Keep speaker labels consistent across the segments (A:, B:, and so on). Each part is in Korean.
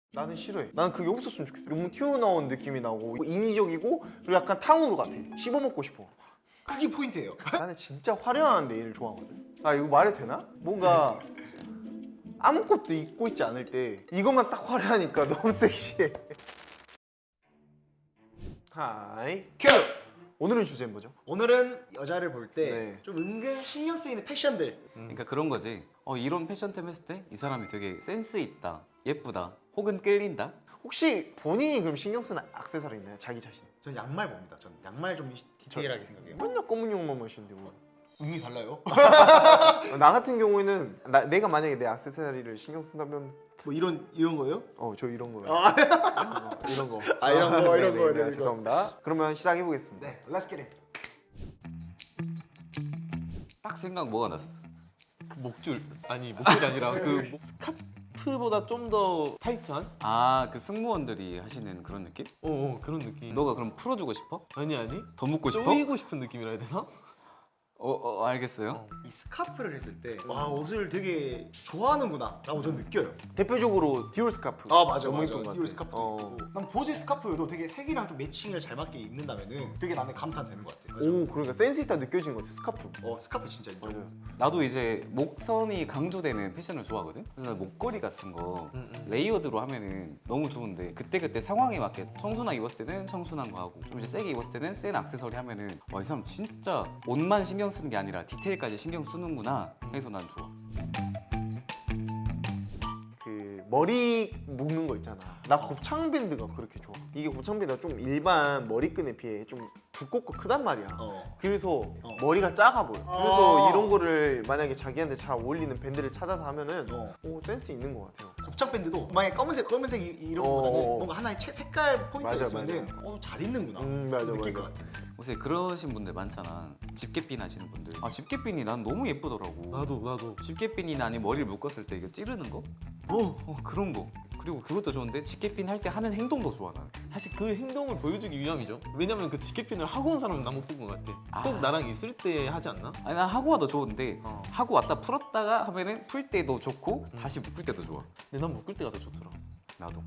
A: 나는 싫어해. 나는 그게 없었으면 좋겠어. 너무 튀어나온 느낌이 나고 인위적이고 그리고 약간 탕후루 같아. 씹어먹고 싶어.
B: 그게 포인트예요.
A: 나는 진짜 화려한 네일을 좋아하거든. 아 이거 말해도 되나? 뭔가 아무것도 입고 있지 않을 때 이것만 딱 화려하니까 너무 섹시해. 하이 큐! 오늘은 주제는 뭐죠?
B: 오늘은 여자를 볼 때
A: 네.
B: 좀 은근 신경 쓰이는 패션들.
C: 그러니까 그런 거지. 이런 패션템 했을 때 이 사람이 되게 센스 있다, 예쁘다, 혹은 끌린다.
A: 혹시 본인이 그럼 신경 쓰는 액세서리 있나요? 자기 자신.
B: 전 양말 봅니다. 전 양말 좀 디테일하게 생각해요.
A: 맨날 검은 용만 신데 뭐.
B: 의미 달라요.
A: 나 같은 경우에는 내가 만약에 내 액세서리를 신경 쓴다면
B: 뭐 이런 거예요?
A: 저 이런 거요.
B: 아,
A: 이런 거.
B: 아, 이런 거, 이런
A: 네네,
B: 거,
A: 네,
B: 이런 거.
A: 죄송합니다. 그러면 시작해 보겠습니다.
B: 네, let's get it.
C: 딱 생각 뭐가 났어?
D: 그 목줄 아니 목줄이 아니라 그 스카프보다 좀 더 타이트한?
C: 그 승무원들이 하시는 그런 느낌?
D: 그런 느낌.
C: 너가 그럼 풀어주고 싶어?
D: 아니
C: 더 묻고 싶어?
D: 쪼이고 싶은 느낌이라 해야 되나?
C: 알겠어요.
B: 이 스카프를 했을 때 와 옷을 되게 좋아하는구나 라고 전 느껴요.
A: 대표적으로 디올 스카프.
B: 아 맞아
A: 너무
B: 맞아.
A: 예쁜 것
B: 디올
A: 같아.
B: 스카프도 있고. 난 보지 스카프여도 되게 색이랑 좀 매칭을 잘 맞게 입는다면은 되게 나는 감탄되는 것 같아.
A: 오 그러니까 센스 있다 느껴지는 것 같아 스카프.
B: 스카프 진짜 인정.
A: 맞아요.
C: 나도 이제 목선이 강조되는 패션을 좋아하거든. 그래서 목걸이 같은 거 레이어드로 하면은 너무 좋은데 그때 상황에 맞게 청순하게 입었을 때는 청순한 거 하고 좀 이제 세게 입었을 때는 센 액세서리 하면은 와 이 사람 진짜 옷만 신경 쓰는 게 아니라 디테일까지 신경 쓰는구나 해서 난 좋아.
A: 그 머리 묶는 거 있잖아. 나 곱창 밴드가 그렇게 좋아. 이게 곱창 밴드가 좀 일반 머리끈에 비해 좀 두껍고 크단 말이야. 그래서 머리가 작아 보여. 그래서 이런 거를 만약에 자기한테 잘 어울리는 밴드를 찾아서 하면은 센스 있는 것 같아요.
B: 곱창 밴드도 만약에 검은색 이런 거보다는
A: 어.
B: 뭔가 하나의 색깔 포인트가
A: 맞아,
B: 있으면은 잘 입는구나
A: 맞아,
B: 느낄
A: 맞아.
B: 것 같아.
C: 요새 그러신 분들 많잖아. 집게핀 하시는 분들. 집게핀이 난 너무 예쁘더라고.
D: 나도.
C: 집게핀이나 아니 머리를 묶었을 때 이거 찌르는 거? 그런 거. 그리고 그것도 좋은데 집게핀 할 때 하는 행동도 좋아 나는.
D: 사실 그 행동을 보여주기 위함이죠. 왜냐면 그 지켓핀을 하고 온 사람은 나 못 본 것 같아. 꼭 나랑 있을 때 하지 않나?
C: 아니 난 하고 와도 좋은데
D: 어.
C: 하고 왔다 풀었다가 하면은 풀 때도 좋고 다시 묶을 때도 좋아.
D: 근데 난 묶을 때가 더 좋더라.
C: 나도.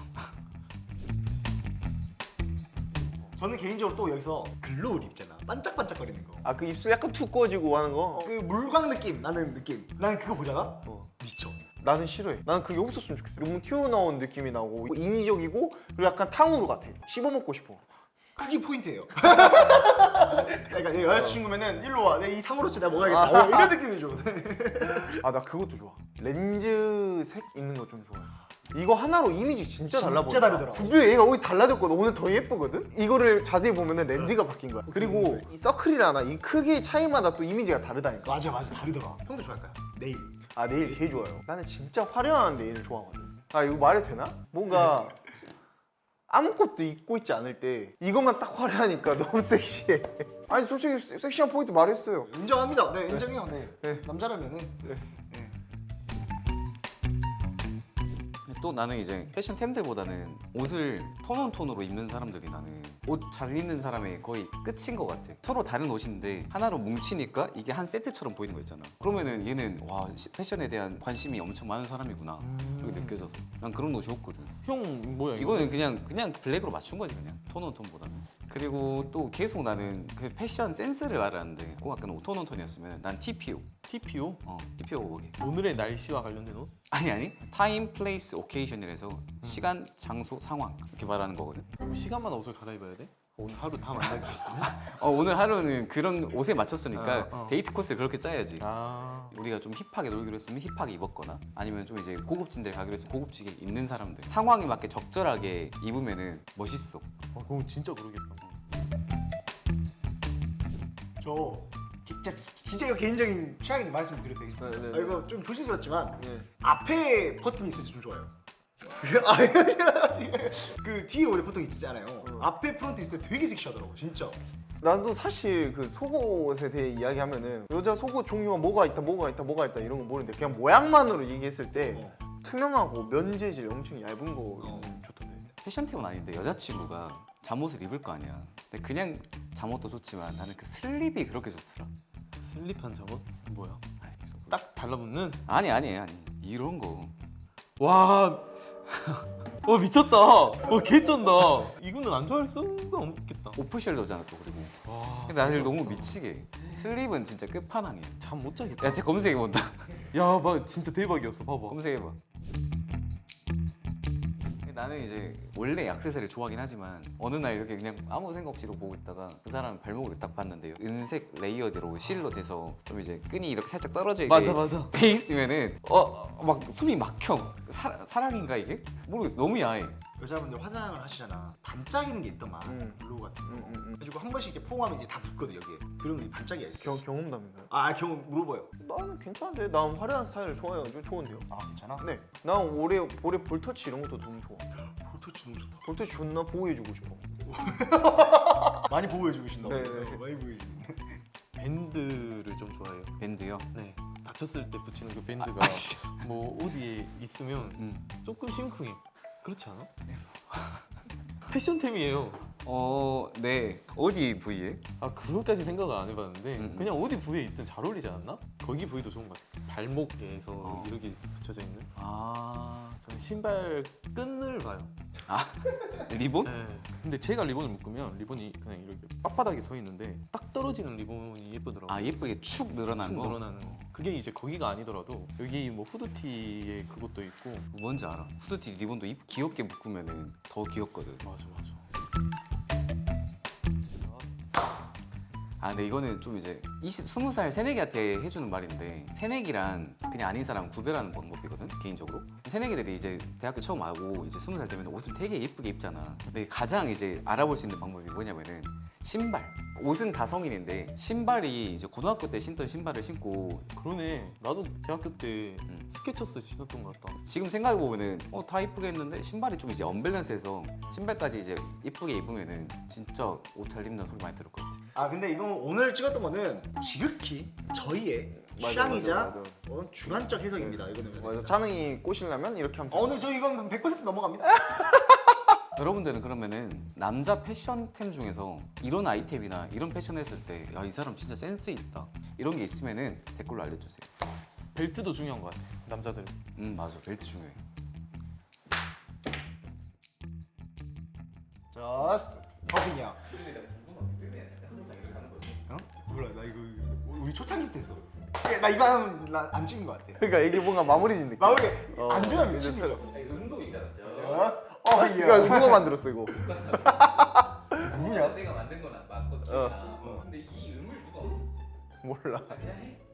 B: 저는 개인적으로 또 여기서 글로우를 입잖아. 반짝반짝거리는 거.
A: 아 그 입술 약간 툭 꺼지고 하는 거.
B: 그 물광 느낌 나는 느낌. 나는 그거 보잖아. 미쳐.
A: 나는 싫어해. 나는 그게 없었으면 좋겠어. 너무 튀어나온 느낌이 나고 인위적이고 그리고 약간 탕후루 같아. 씹어먹고 싶어.
B: 그게 포인트예요. 그러니까 내 여자친구면은 일로 와. 내 이 상으로치 내가 먹어야겠다. 이런 느낌이죠.
A: 아 나 그것도 좋아. 렌즈색 있는 거 좀 좋아해. 이거 하나로 이미지 진짜 달라 보여.
B: 진짜 다르더라.
A: 분명히 얘가 오늘 달라졌거든. 오늘 더 예쁘거든. 이거를 자세히 보면은 렌즈가 바뀐 거야. 그리고 이 서클이라나 이 크기 차이마다 또 이미지가 다르다니까.
B: 맞아 다르더라. 형도 좋아할까요? 네일.
A: 아 네일 개 좋아요. 나는 진짜 화려한 네일을 좋아하거든. 아 이거 말해도 되나? 뭔가 아무것도 입고 있지 않을 때 이것만 딱 화려하니까 너무 섹시해. 아니 솔직히 섹시한 포인트 말했어요.
B: 인정합니다. 네 인정해요. 네.
A: 네.
B: 남자라면은
C: 또 나는 이제 패션템들보다는 옷을 톤온톤으로 입는 사람들이 나는 옷 잘 입는 사람의 거의 끝인 것 같아. 서로 다른 옷인데 하나로 뭉치니까 이게 한 세트처럼 보이는 거 있잖아. 그러면은 얘는 와 패션에 대한 관심이 엄청 많은 사람이구나 이렇게 느껴져서 난 그런 옷이 없거든.
D: 형 뭐야 이거?
C: 이거는 그냥 블랙으로 맞춘 거지 그냥 톤온톤보다는. 그리고 또 계속 나는 그 패션 센스를 말하는데 꼭 약간 톤온톤이었으면 난 TPO.
D: TPO?
C: TPO 보게.
D: 오늘의 날씨와 관련된 옷?
C: 아니 타임, 플레이스, 오케이션이라서 시간, 장소, 상황 이렇게 말하는 거거든.
D: 그럼 시간마다 옷을 갈아입어야 돼? 오늘 하루 다 만나게 있으면?
C: 오늘 하루는 그런 옷에 맞췄으니까
D: 어.
C: 데이트 코스를 그렇게 짜야지.
D: 우리가
C: 우리가 좀 힙하게 놀기로 했으면 힙하게 입었거나 아니면 좀 이제 고급진 데 가기로 해서 고급지게 입는 사람들 상황에 맞게 적절하게 입으면은 멋있어.
D: 그럼 진짜 그러겠다.
B: 저 진짜 이거 개인적인 취향인데 말씀드려도 되겠습니다.
A: 네, 네, 네.
B: 이거 좀 조심스럽지만
A: 네.
B: 앞에 버튼이 있어서 좀 좋아요. 그 뒤에 원래 버튼이 있잖아요. 앞에 프론트 있을 때 되게 섹시하더라고 진짜.
A: 나도 사실 그 속옷에 대해 이야기하면은 여자 속옷 종류가 뭐가 있다 이런 거 모르는데 그냥 모양만으로 얘기했을 때 투명하고 면재질 엄청 얇은 거 좋던데.
C: 패션템은 아닌데 여자친구가 잠옷을 입을 거 아니야. 근데 그냥 잠옷도 좋지만 나는 그 슬립이 그렇게 좋더라.
D: 슬립한 잠옷? 뭐야? 딱 달라붙는?
C: 아니 이런 거.
D: 와 와 미쳤다. 와 개쩐다. 이거는 안 좋아할 수가 없겠다.
C: 오프숄더잖아 또 그리고.
D: 와.
C: 근데 나를 너무 미치게. 슬립은 진짜 끝판왕이야.
D: 잠 못 자겠다.
C: 야, 쟤 검색해본다.
D: 야, 막 진짜 대박이었어. 봐봐.
C: 검색해봐. 나는 이제 원래 액세서리를 좋아하긴 하지만 어느 날 이렇게 그냥 아무 생각 없이 이러고 보고 있다가 그 사람 발목을 딱 봤는데요. 은색 레이어드로 실로 돼서 좀 이제 끈이 이렇게 살짝 떨어져 있게
D: 맞아.
C: 돼 있으면은 막 숨이 막혀. 사랑인가 이게? 모르겠어. 너무 야해.
B: 여자분들 화장을 하시잖아. 반짝이는 게 있더만 블루 같은 거. 그래가지고 한 번씩 이제 포옹하면 이제 다 붙거든 여기에. 그러면 반짝이야 있어.
A: 경험담인가요?
B: 경험 물어봐요.
A: 나는 괜찮은데. 난 화려한 스타일을 좋아해가지고 좋은데요.
B: 괜찮아?
A: 네. 난 올해 볼터치 이런 것도 너무 좋아.
B: 볼터치 너무 좋다.
A: 볼터치 존나 보호해주고 싶어.
B: 많이 보호해주고 계신다.
A: 네.
B: 많이 보호해주고.
D: 밴드를 좀 좋아해요.
C: 밴드요?
D: 네. 다쳤을 때 붙이는 그 밴드가 뭐 어디에 있으면 조금 심쿵해. 그렇지 않아? 패션템이에요.
C: 네. 어디 부위에?
D: 아 그것까지 생각을 안 해봤는데 그냥 어디 부위에 있든 잘 어울리지 않나? 거기 부위도 좋은 것 같아. 발목에서 이렇게 붙여져 있는. 저는 신발 끈을 봐요.
C: 리본?
D: 네. 근데 제가 리본을 묶으면 리본이 그냥 이렇게 빳빳하게 서 있는데 딱 떨어지는 리본이 예쁘더라고요.
C: 예쁘게 축 늘어나는
D: 축
C: 거?
D: 늘어나는. 그게 이제 거기가 아니더라도 여기 뭐 후드티에 그것도 있고.
C: 뭔지 알아. 후드티 리본도 귀엽게 묶으면 더 귀엽거든.
D: 맞아.
C: 근데 이거는 좀 이제 20살 새내기한테 해주는 말인데 새내기랑 그냥 아닌 사람 구별하는 방법이거든 개인적으로. 새내기들이 이제 대학교 처음 와고 이제 20살 되면 옷을 되게 예쁘게 입잖아. 근데 가장 이제 알아볼 수 있는 방법이 뭐냐면은 신발. 옷은 다 성인인데 신발이 이제 고등학교 때 신던 신발을 신고
D: 그러네. 나도 대학교 때 스케쳐스 신었던 것 같다.
C: 지금 생각해보면은 다 이쁘게 했는데 신발이 좀 이제 언밸런스해서 신발까지 이제 이쁘게 입으면은 진짜 옷 잘 입는 소리 많이 들을 것 같아.
B: 근데 이건 오늘 찍었던 거는 지극히 저희의 취향이자 주관적 해석입니다. 이거는.
A: 맞아. 찬웅이 꼬시려면 이렇게 하면.
B: 오늘 저 이건 100% 넘어갑니다.
C: 여러분들은 그러면은 남자 패션템 중에서 이런 아이템이나 이런 패션 했을 때 야 이 사람 진짜 센스 있다 이런 게 있으면은 댓글로 알려주세요.
D: 벨트도 중요한 것 같아. 남자들.
C: 맞아. 벨트 중요해.
B: 자, 버빈이야. 몰라, 나 이거 우리 초창기 때 했어. 나 이거 하면 나 안 찍은 것 같아.
A: 그러니까 이게 뭔가 마무리진 느낌.
B: 마무리 안 좋으면
A: 이제
B: 미친 거죠.
C: 음도 있잖아.
A: 이거 누가 만들었어 이거?
B: 누구냐?
C: 내가 만든 건 맞거든. 근데 이 음을 누가
A: 몰라.
C: 그냥 해.